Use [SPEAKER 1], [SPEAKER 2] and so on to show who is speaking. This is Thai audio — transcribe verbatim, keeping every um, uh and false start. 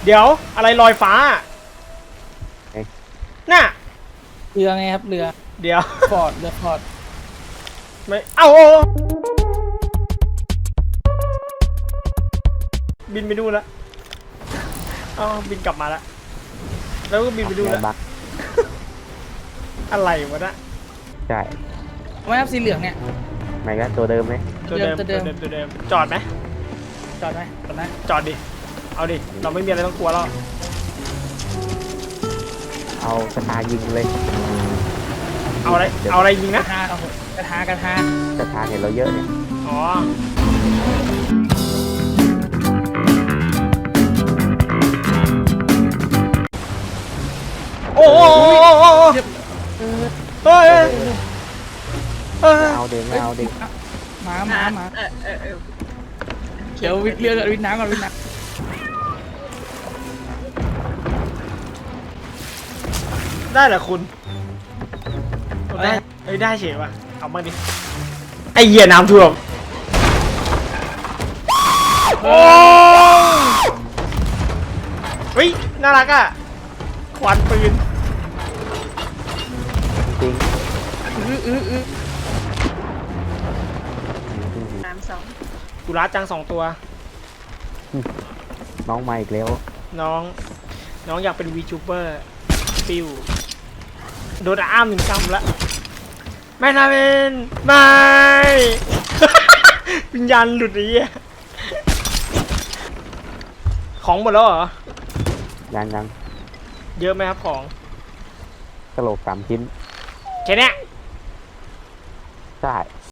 [SPEAKER 1] เดี๋ยวอะไรลอยฟ้าน่ะ
[SPEAKER 2] เรือไงครับเรือ
[SPEAKER 1] เดี๋ยว
[SPEAKER 2] ฟอร์ดเรือฟอร์ด
[SPEAKER 1] ไม่เอ้าบินไปดูแล้วอ๋อบินกลับมาแล้วแล้วก็บินไปดูแล้ว
[SPEAKER 3] บัก
[SPEAKER 1] อะไรวะนะ
[SPEAKER 3] ใช่
[SPEAKER 2] ทำไมครับสีเหลืองเนี่ย
[SPEAKER 3] ไม่ก็ตัวเดิมไหม
[SPEAKER 1] ตัวเดิม
[SPEAKER 2] ตั
[SPEAKER 1] ตัว
[SPEAKER 2] วเดิ
[SPEAKER 1] เดิม
[SPEAKER 2] ม
[SPEAKER 1] ตัวเดิมจอดไหม
[SPEAKER 2] จอดไหมจอดไหม
[SPEAKER 1] จอดดิเอาดิเราไม่มีอะไรต้องกลัวแล้ว
[SPEAKER 3] เอาสตาร์ยิงเลย
[SPEAKER 1] เอาอะไรเอาอะไรยิง
[SPEAKER 2] ก
[SPEAKER 1] นะ
[SPEAKER 2] ระทาเอาเถอะกระทากระทา
[SPEAKER 3] สตาร์เห็นเราเยอะเนี่ย
[SPEAKER 1] อ๋อโอ้โหเฮ้ยเฮ้ย
[SPEAKER 3] เอาเด็กไม่เอาเด็ก
[SPEAKER 2] หมาหมาหมา
[SPEAKER 4] เออเออเออ
[SPEAKER 2] เดี๋ยววิทย์เรือก่อนวิทย์น้ำก่อนวิทย์น้
[SPEAKER 1] ได้เหรอคุณได้เอ้ยได้เฉยว่ะเอามาดิไอเหี้ยน้ำท่วมโอ้เฮ้ยน่ารักอ่ะควันปืน
[SPEAKER 3] จริง
[SPEAKER 2] ำอื้ออื้ออื้อ
[SPEAKER 4] น้ำสอง
[SPEAKER 1] กุระจังสองตัว
[SPEAKER 3] น้องมาอีกแล้ว
[SPEAKER 1] น้อง น้องอยากเป็นวีจูเบอร์ปิวโดนอ้ามหนึ่งกำละไม่นะเวนไม่ วิญญาณหลุดไอ้เหี้ยของหมดแล้วเหรอ
[SPEAKER 3] ยังยัง
[SPEAKER 1] เยอะไหมครับของ
[SPEAKER 3] กระโหลกสามชิ้น
[SPEAKER 1] แค่เนี้ย
[SPEAKER 3] ใช่